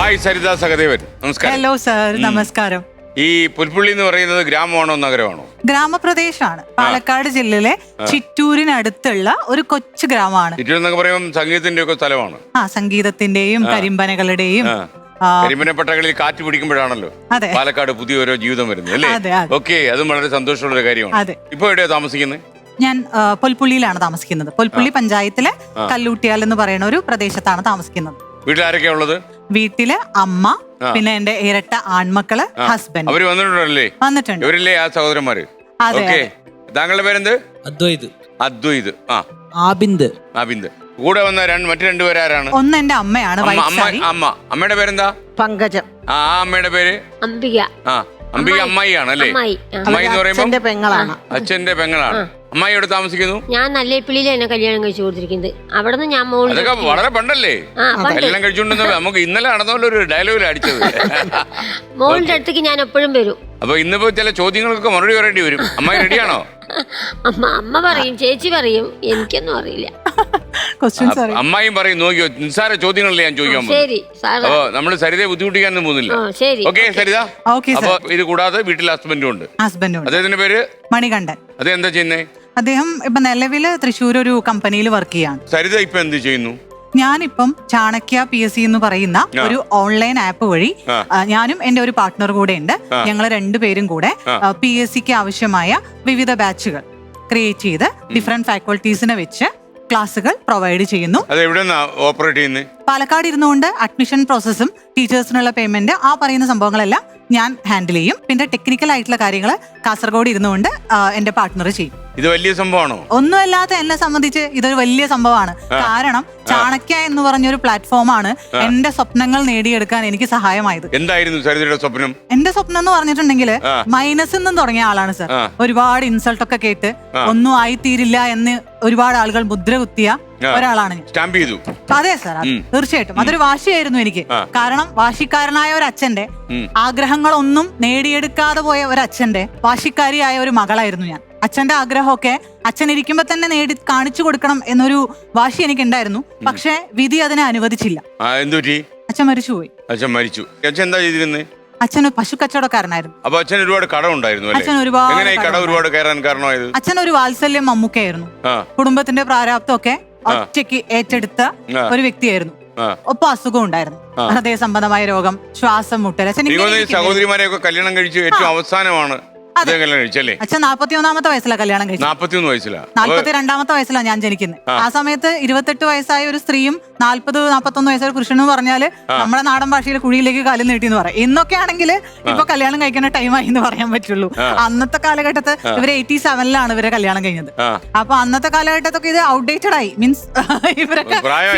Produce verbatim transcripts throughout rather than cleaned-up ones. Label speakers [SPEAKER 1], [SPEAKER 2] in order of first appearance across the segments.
[SPEAKER 1] Hi Saritha Sahadevan, നമസ്കാരം.
[SPEAKER 2] Hello sir, നമസ്കാരം.
[SPEAKER 1] ഈ പുൽപ്പള്ളി എന്ന് പറയുന്നത് ഗ്രാമമാണോ നഗരമാണോ?
[SPEAKER 2] ഗ്രാമപ്രദേശമാണ്. പാലക്കാട് ജില്ലയിലെ ചിറ്റൂരിനടുത്തുള്ള ഒരു കൊച്ചു ഗ്രാമമാണ്.
[SPEAKER 1] ചിറ്റൂർ എന്നൊക്കെ പറയുമ്പോൾ സംഗീതത്തിന്റെ ഒക്കെ സ്ഥലമാണ്.
[SPEAKER 2] ആ, സംഗീതത്തിന്റെയും കരിമ്പനകളുടെയും
[SPEAKER 1] കരിമ്പനപ്പട്ടകളിൽ കാറ്റ് പിടിക്കുമ്പോഴാണല്ലോ പാലക്കാട് പുതിയ ഓരോ ജീവിതം വരുന്നത് അല്ലേ? ഓക്കെ, അതും വളരെ സന്തോഷമുള്ള ഒരു കാര്യമാണ്. ഇപ്പൊ എവിടെയാ താമസിക്കുന്നത്?
[SPEAKER 2] ഞാൻ പൊൽപ്പുള്ളിയിലാണ് താമസിക്കുന്നത്. പൊൽപ്പുള്ളി പഞ്ചായത്തിലെ കല്ലൂട്ടിയാൽ എന്ന് പറയുന്ന ഒരു പ്രദേശത്താണ് താമസിക്കുന്നത്.
[SPEAKER 1] വീട്ടിൽ ആരൊക്കെയാ ഉള്ളത്?
[SPEAKER 2] വീട്ടില് അമ്മ, പിന്നെ എന്റെ ഇരട്ട ആൺമക്കള്, ഹസ്ബൻഡ്.
[SPEAKER 1] അവര് വന്നിട്ടുണ്ടല്ലേ?
[SPEAKER 2] വന്നിട്ടുണ്ട്.
[SPEAKER 1] ഇവരില്ലേ ആ സഹോദരന്മാര്?
[SPEAKER 2] അതെ.
[SPEAKER 1] താങ്കളുടെ പേരെന്ത്?
[SPEAKER 3] അദ്വൈത്.
[SPEAKER 1] അദ്വൈത്. ആ,
[SPEAKER 3] ആബിന്ദ്.
[SPEAKER 1] ആബിന്ദ്. കൂടെ വന്ന രണ്ട് മറ്റു രണ്ടുപേരാരാണ്?
[SPEAKER 2] ഒന്ന് എന്റെ അമ്മയാണ്.
[SPEAKER 1] അമ്മ. അമ്മയുടെ പേരെന്താ?
[SPEAKER 4] പങ്കജം.
[SPEAKER 1] ആ, അമ്മയുടെ പേര്
[SPEAKER 5] അംബിക.
[SPEAKER 1] ആ, അംബിക അമ്മായി ആണല്ലേ? അമ്മായി എന്ന് പറയുമ്പോ
[SPEAKER 4] പെങ്ങളാണ്.
[SPEAKER 1] അച്ഛന്റെ പെങ്ങളാണ്. അമ്മായി എവിടെ താമസിക്കുന്നു?
[SPEAKER 5] ഞാൻ നല്ലേപ്പിള്ളിയിൽ എന്നെ കല്യാണം കഴിച്ചു കൊടുത്തിരിക്കുന്നത്. അവിടെ നിന്ന് ഞാൻ
[SPEAKER 1] അതൊക്കെ വളരെ പണ്ടല്ലേ കല്യാണം കഴിച്ചുകൊണ്ടിരുന്ന നമുക്ക് ഇന്നലെ നടന്നപോലെ ഒരു ഡയലോഗിൽ അടിച്ചത്.
[SPEAKER 5] മോളുടെ അടുത്തേക്ക് ഞാൻ എപ്പോഴും വരും.
[SPEAKER 1] അപ്പൊ ഇന്നിപ്പോ ചില ചോദ്യങ്ങൾക്കൊക്കെ മറുപടി പറയേണ്ടി വരും. അമ്മായി റെഡിയാണോ?
[SPEAKER 5] അമ്മ അമ്മ പറയും, ചേച്ചി പറയും, എനിക്കൊന്നും അറിയില്ല.
[SPEAKER 1] അമ്മായും പറയും, നോക്കിയോ നിസ്സാര ചോദ്യങ്ങളല്ലേ ഞാൻ ചോദിക്കാൻ പോകുന്നത്. അപ്പൊ നമ്മള് സരിതയെ ബുദ്ധിമുട്ടിക്കാനൊന്നും പോകുന്നില്ല. ഓക്കെ സരിത. അപ്പൊ ഇത് കൂടാതെ വീട്ടിൽ ഹസ്ബൻഡും ഉണ്ട്.
[SPEAKER 2] ഹസ്ബൻഡും.
[SPEAKER 1] അദ്ദേഹത്തിന്റെ പേര്
[SPEAKER 2] മണികണ്ഠൻ.
[SPEAKER 1] അതെന്താ ചെയ്യുന്നേ?
[SPEAKER 2] അദ്ദേഹം ഇപ്പൊ നിലവില് തൃശ്ശൂർ ഒരു കമ്പനിയിൽ വർക്ക് ചെയ്യാണ്.
[SPEAKER 1] സരിത ഇപ്പൊ എന്ത് ചെയ്യുന്നു?
[SPEAKER 2] ഞാനിപ്പം ചാണക്യ പി എസ് സി എന്ന് പറയുന്ന ഒരു ഓൺലൈൻ ആപ്പ് വഴി ഞാനും എന്റെ ഒരു പാർട്ട്ണർ കൂടെ ഉണ്ട്. ഞങ്ങൾ രണ്ടുപേരും കൂടെ പി എസ് സിക്ക് ആവശ്യമായ വിവിധ ബാച്ചുകൾ ക്രിയേറ്റ് ചെയ്ത് ഡിഫറെന്റ് ഫാക്കൽറ്റീസിനെ വെച്ച് ക്ലാസുകൾ പ്രൊവൈഡ് ചെയ്യുന്നു. പാലക്കാട് ഇരുന്നുകൊണ്ട് അഡ്മിഷൻ പ്രോസസ്സും ടീച്ചേഴ്സിനുള്ള പേയ്മെന്റ് ആ പറയുന്ന സംഭവങ്ങളെല്ലാം ഞാൻ ഹാൻഡിൽ ചെയ്യും. പിന്നെ ടെക്നിക്കൽ ആയിട്ടുള്ള കാര്യങ്ങൾ കാസർഗോഡ് ഇരുന്നുകൊണ്ട് എന്റെ പാർട്ട്ണർ ചെയ്യും.
[SPEAKER 1] ഇത് വലിയ സംഭവമാണോ?
[SPEAKER 2] ഒന്നുമല്ലാത്ത എന്നെ സംബന്ധിച്ച് ഇതൊരു വലിയ സംഭവമാണ്. കാരണം ചാണക്യ എന്ന് പറഞ്ഞൊരു പ്ലാറ്റ്ഫോമാണ് എന്റെ സ്വപ്നങ്ങൾ നേടിയെടുക്കാൻ എനിക്ക് സഹായമായത്.
[SPEAKER 1] എന്തായിരുന്നു സരിതയുടെ സ്വപ്നം?
[SPEAKER 2] എന്റെ സ്വപ്നം എന്ന് പറഞ്ഞിട്ടുണ്ടെങ്കിൽ മൈനസിൽ നിന്നും തുടങ്ങിയ ആളാണ് സർ. ഒരുപാട് ഇൻസൾട്ട് ഒക്കെ കേട്ട് ഒന്നും ആയിത്തീരില്ല എന്ന് ഒരുപാട് ആളുകൾ മുദ്ര കുത്തിയ ഒരാളാണ് ഞാൻ. അതെ സർ, തീർച്ചയായിട്ടും അതൊരു വാശിയായിരുന്നു എനിക്ക്. കാരണം വാശിക്കാരനായ ഒരു അച്ഛന്റെ ആഗ്രഹങ്ങളൊന്നും നേടിയെടുക്കാതെ പോയ ഒരു അച്ഛന്റെ വാശിക്കാരിയായ ഒരു മകളായിരുന്നു ഞാൻ. അച്ഛന്റെ ആഗ്രഹമൊക്കെ അച്ഛൻ ഇരിക്കുമ്പോ തന്നെ നേടി കാണിച്ചു കൊടുക്കണം എന്നൊരു വാശി എനിക്കുണ്ടായിരുന്നു. പക്ഷെ വിധി അതിനെ അനുവദിച്ചില്ല. അച്ഛൻ മരിച്ചുപോയി.
[SPEAKER 1] അച്ഛൻ മരിച്ചു. അച്ഛൻ എന്താ ചെയ്തിരുന്നത്?
[SPEAKER 2] അച്ഛൻ പശു കച്ചവടക്കാരനായിരുന്നു.
[SPEAKER 1] അപ്പൊ അച്ഛൻ ഒരുപാട് കടം ഉണ്ടായിരുന്നു.
[SPEAKER 2] അച്ഛൻ ഒരുപാട്
[SPEAKER 1] അച്ഛൻ
[SPEAKER 2] ഒരു വാത്സല്യം മമ്മൂക്കയായിരുന്നു. കുടുംബത്തിന്റെ പ്രാരാബ്ദമൊക്കെ ഒറ്റയ്ക്ക് ഏറ്റെടുത്ത ഒരു വ്യക്തിയായിരുന്നു. ഒപ്പം അസുഖം ഉണ്ടായിരുന്നു, ഹൃദയ സംബന്ധമായ രോഗം, ശ്വാസം മുട്ടൽ. അച്ഛൻ
[SPEAKER 1] സഹോദരിമാരെയൊക്കെ കല്യാണം കഴിച്ചു ഏറ്റവും അവസാനമാണ്
[SPEAKER 2] അച്ഛൻ നാപ്പത്തി ഒന്നാമത്തെ വയസ്സിലാണ് കല്യാണം കഴിച്ചത്.
[SPEAKER 1] നാപ്പത്തിയൊന്ന് വയസ്സിലാണ്.
[SPEAKER 2] നാല്പത്തി രണ്ടാമത്തെ വയസ്സിലാണ് ഞാൻ ജനിക്കുന്നത്. ആ സമയത്ത് ഇരുപത്തെട്ട് വയസ്സായ ഒരു സ്ത്രീയും നാല്പത് നാപ്പത്തൊന്ന് വയസ്സായ പുരുഷനും പറഞ്ഞാല് നമ്മുടെ നാടൻ ഭാഷയിൽ കുഴിയിലേക്ക് കാലം നീട്ടി എന്ന് പറയും. ഇന്നൊക്കെ ആണെങ്കിൽ ഇപ്പൊ കല്യാണം കഴിക്കുന്ന ടൈമായി എന്ന് പറയാൻ പറ്റുള്ളൂ. അന്നത്തെ കാലഘട്ടത്ത് ഇവര് എയ്റ്റി സെവനിലാണ് ഇവരെ കല്യാണം കഴിഞ്ഞത്. അപ്പൊ അന്നത്തെ കാലഘട്ടത്തൊക്കെ ഇത് ഔട്ട്ഡേറ്റഡ് ആയി, മീൻസ് ഇവരൊക്കെ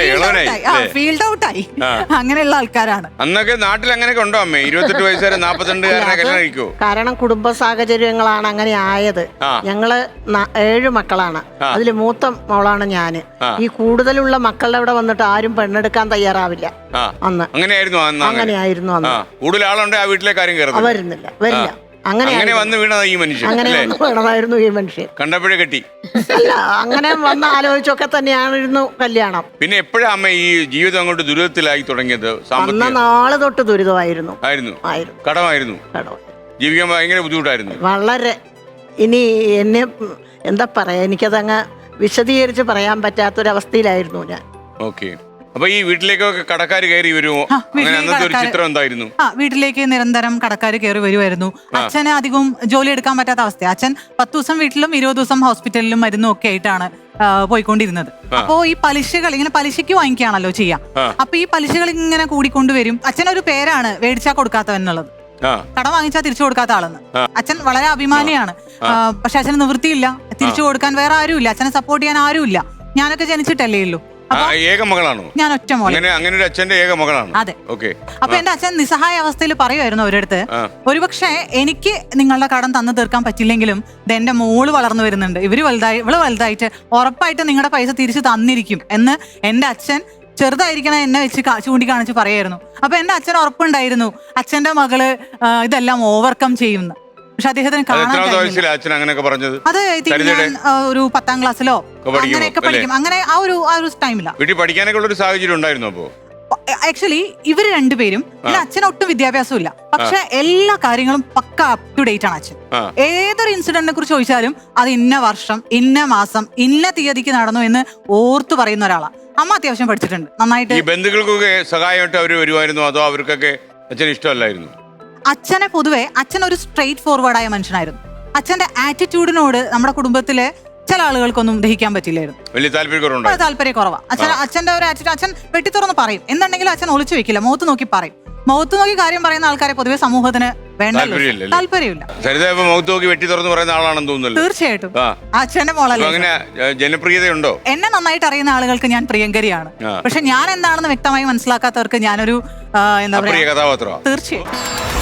[SPEAKER 2] ഫീൽഡ് ഔട്ട് ആയി. അങ്ങനെയുള്ള ആൾക്കാരാണ്.
[SPEAKER 1] അന്നൊക്കെ നാട്ടിൽ അങ്ങനെയൊക്കെ ഉണ്ടോ അമ്മേ? ഇരുപത്തെട്ട് വയസ്സുകാരെ നാപ്പത്തിരണ്ടുകാരനെ കല്യാണം കഴിക്കോ?
[SPEAKER 4] കാരണം കുടുംബ സാഹചര്യങ്ങളാണ് അങ്ങനെ ആയത്. ഞങ്ങള് ഏഴ് മക്കളാണ്. അതിൽ മൂത്ത മോളാണ് ഞാന്. ഈ കൂടുതലുള്ള മക്കളുടെ അവിടെ വന്നിട്ട് ആരും പെണ്ണെടുക്കാൻ തയ്യാറാവില്ല. അന്ന് അങ്ങനെയായിരുന്നു അങ്ങനെയായിരുന്നു അന്ന്.
[SPEAKER 1] കൂടുതൽ ആളുണ്ട് ആ വീട്ടിലെ കാര്യം
[SPEAKER 4] വരുന്നില്ല വരില്ല. അങ്ങനെ
[SPEAKER 1] വന്ന് വീണതാ ഈ മനുഷ്യൻ.
[SPEAKER 4] അങ്ങനെ വീണതായിരുന്നു ഈ മനുഷ്യൻ.
[SPEAKER 1] കണ്ടപ്പോഴേ കെട്ടി
[SPEAKER 4] അല്ല, അങ്ങനെ വന്ന് ആലോചിച്ചൊക്കെ തന്നെയായിരുന്നു കല്യാണം.
[SPEAKER 1] പിന്നെ എപ്പോഴാ അമ്മ ഈ ജീവിതം അങ്ങോട്ട് ദുരിതത്തിലായി തുടങ്ങിയത്?
[SPEAKER 4] അന്ന നാളെ തൊട്ട് ദുരിതമായിരുന്നു.
[SPEAKER 1] ആയിരുന്നു. കടമായിരുന്നു. ജീവിക്കാൻ ഭയങ്കര ബുദ്ധിമുട്ടായിരുന്നു.
[SPEAKER 4] വളരെ. ഇനി എന്നെ എന്താ പറയാ, എനിക്കതങ്ങ് വിശദീകരിച്ച് പറയാൻ പറ്റാത്തൊരവസ്ഥയിലായിരുന്നു ഞാൻ.
[SPEAKER 1] ഓക്കെ. അപ്പൊ ഈ വീട്ടിലേക്കൊക്കെ കടക്കാർ കയറി വരുമോ? ചിത്രം എന്തായിരുന്നു?
[SPEAKER 2] ആ, വീട്ടിലേക്ക് നിരന്തരം കടക്കാർ കയറി വരുമായിരുന്നു. അച്ഛന് അധികവും ജോലി എടുക്കാൻ പറ്റാത്ത അവസ്ഥ. അച്ഛൻ പത്ത് ദിവസം വീട്ടിലും ഇരുപത് ദിവസം ഹോസ്പിറ്റലിലും മരുന്നും ഒക്കെ ആയിട്ടാണ് പോയിക്കൊണ്ടിരുന്നത്. അപ്പോ ഈ പലിശകൾ ഇങ്ങനെ പലിശയ്ക്ക് വാങ്ങിക്കുകയാണല്ലോ ചെയ്യാം. അപ്പൊ ഈ പലിശകൾ ഇങ്ങനെ കൂടിക്കൊണ്ടുവരും. അച്ഛനൊരു പേരാണ് മേടിച്ചാ കൊടുക്കാത്തവൻ എന്നുള്ളത്. കടം വാങ്ങിച്ചാൽ തിരിച്ചു കൊടുക്കാത്ത ആളെന്ന്. അച്ഛൻ വളരെ അഭിമാനിയാണ്. പക്ഷെ അച്ഛന് നിവൃത്തിയില്ല, തിരിച്ചു കൊടുക്കാൻ വേറെ ആരുമില്ല, അച്ഛനെ സപ്പോർട്ട് ചെയ്യാൻ ആരുമില്ല. ഞാനൊക്കെ ജനിച്ചിട്ടല്ലേ ഉള്ളൂ. ഞാൻ ഒറ്റ മോളെ. അതെ. അപ്പൊ എന്റെ അച്ഛൻ നിസ്സഹായ അവസ്ഥയിൽ പറയുമായിരുന്നു അവരടുത്ത്, ഒരുപക്ഷെ എനിക്ക് നിങ്ങളുടെ കടം തന്നു തീർക്കാൻ പറ്റില്ലെങ്കിലും എന്റെ മോള് വളർന്നു വരുന്നുണ്ട്, ഇവര് വലുതായി ഇവള് വലുതായിട്ട് ഉറപ്പായിട്ട് നിങ്ങളുടെ പൈസ തിരിച്ചു തന്നിരിക്കും എന്ന് എന്റെ അച്ഛൻ ചെറുതായിരിക്കണ എന്നെ വെച്ച് ചൂണ്ടിക്കാണിച്ച് പറയായിരുന്നു. അപ്പൊ എന്റെ അച്ഛൻ ഉറപ്പുണ്ടായിരുന്നു അച്ഛന്റെ മകള് ഇതെല്ലാം ഓവർകം ചെയ്യുന്നു. പക്ഷെ അദ്ദേഹത്തിന് കാണാൻ അത് ഒരു പത്താം ക്ലാസ്സിലോ അങ്ങനെയൊക്കെ പഠിക്കും. അങ്ങനെ ആ ഒരു ആ ഒരു ടൈമിലാണ്.
[SPEAKER 1] വീട്ടിൽ പഠിക്കാനൊക്കെ ഉള്ള ഒരു സാഹചര്യം ഉണ്ടായിരുന്നു. അപ്പോ
[SPEAKER 2] ആക്ച്വലി ഇവര് രണ്ടുപേരും പിന്നെ അച്ഛന് ഒട്ടും വിദ്യാഭ്യാസം ഇല്ല, പക്ഷെ എല്ലാ കാര്യങ്ങളും പക്ക അപ് ടു ഡേറ്റ് ആണ് അച്ഛൻ. ഏതൊരു ഇൻസിഡന്റിനെ കുറിച്ച് ചോദിച്ചാലും അത് ഇന്ന വർഷം ഇന്ന മാസം ഇന്ന തീയതിക്ക് നടന്നു എന്ന് ഓർത്തു പറയുന്ന ഒരാളാണ്. അമ്മ അത്യാവശ്യം പഠിച്ചിട്ടുണ്ട് നന്നായിട്ട്.
[SPEAKER 1] ഈ ബന്ധുക്കൾക്കൊക്കെ സഹായമായിട്ട് അവർ വരുമായിരുന്നു അതോ അവർക്കൊക്കെ അച്ഛന് ഇഷ്ടമല്ലായിരുന്നു?
[SPEAKER 2] അച്ഛനെ പൊതുവെ അച്ഛൻ ഒരു സ്ട്രെയിറ്റ് ഫോർവേഡായ മനുഷ്യനായിരുന്നു. അച്ഛന്റെ ആറ്റിറ്റ്യൂഡിനോട് നമ്മുടെ കുടുംബത്തിലെ ചില ആളുകൾക്കൊന്നും ദഹിക്കാൻ പറ്റില്ലായിരുന്നു.
[SPEAKER 1] വലിയ താല്പര്യം
[SPEAKER 2] താല്പര്യം കുറവാ. അച്ഛൻ അച്ഛന്റെ ഒരു ആറ്റിറ്റ്യൂഡ് അച്ഛൻ വെട്ടിത്തുറന്ന് പറയും. എന്തുണ്ടെങ്കിലും അച്ഛൻ ഒളിച്ചു വെക്കില്ല, മുഖത്ത് നോക്കി പറയും. മുഖത്ത് നോക്കി കാര്യം പറയുന്ന ആൾക്കാരെ പൊതുവെ സമൂഹത്തിന് വേണ്ടല്ലോ, താല്പര്യമില്ല. തീർച്ചയായിട്ടും അച്ഛന്റെ മോളല്ലേ.
[SPEAKER 1] ജനപ്രിയതയുണ്ടോ?
[SPEAKER 2] എന്നെ നന്നായിട്ട് അറിയുന്ന ആളുകൾക്ക് ഞാൻ പ്രിയങ്കരിയാണ്. പക്ഷെ ഞാൻ എന്താണെന്ന് വ്യക്തമായി മനസ്സിലാക്കാത്തവർക്ക് ഞാനൊരു എന്താ പറയാ, തീർച്ചയായും.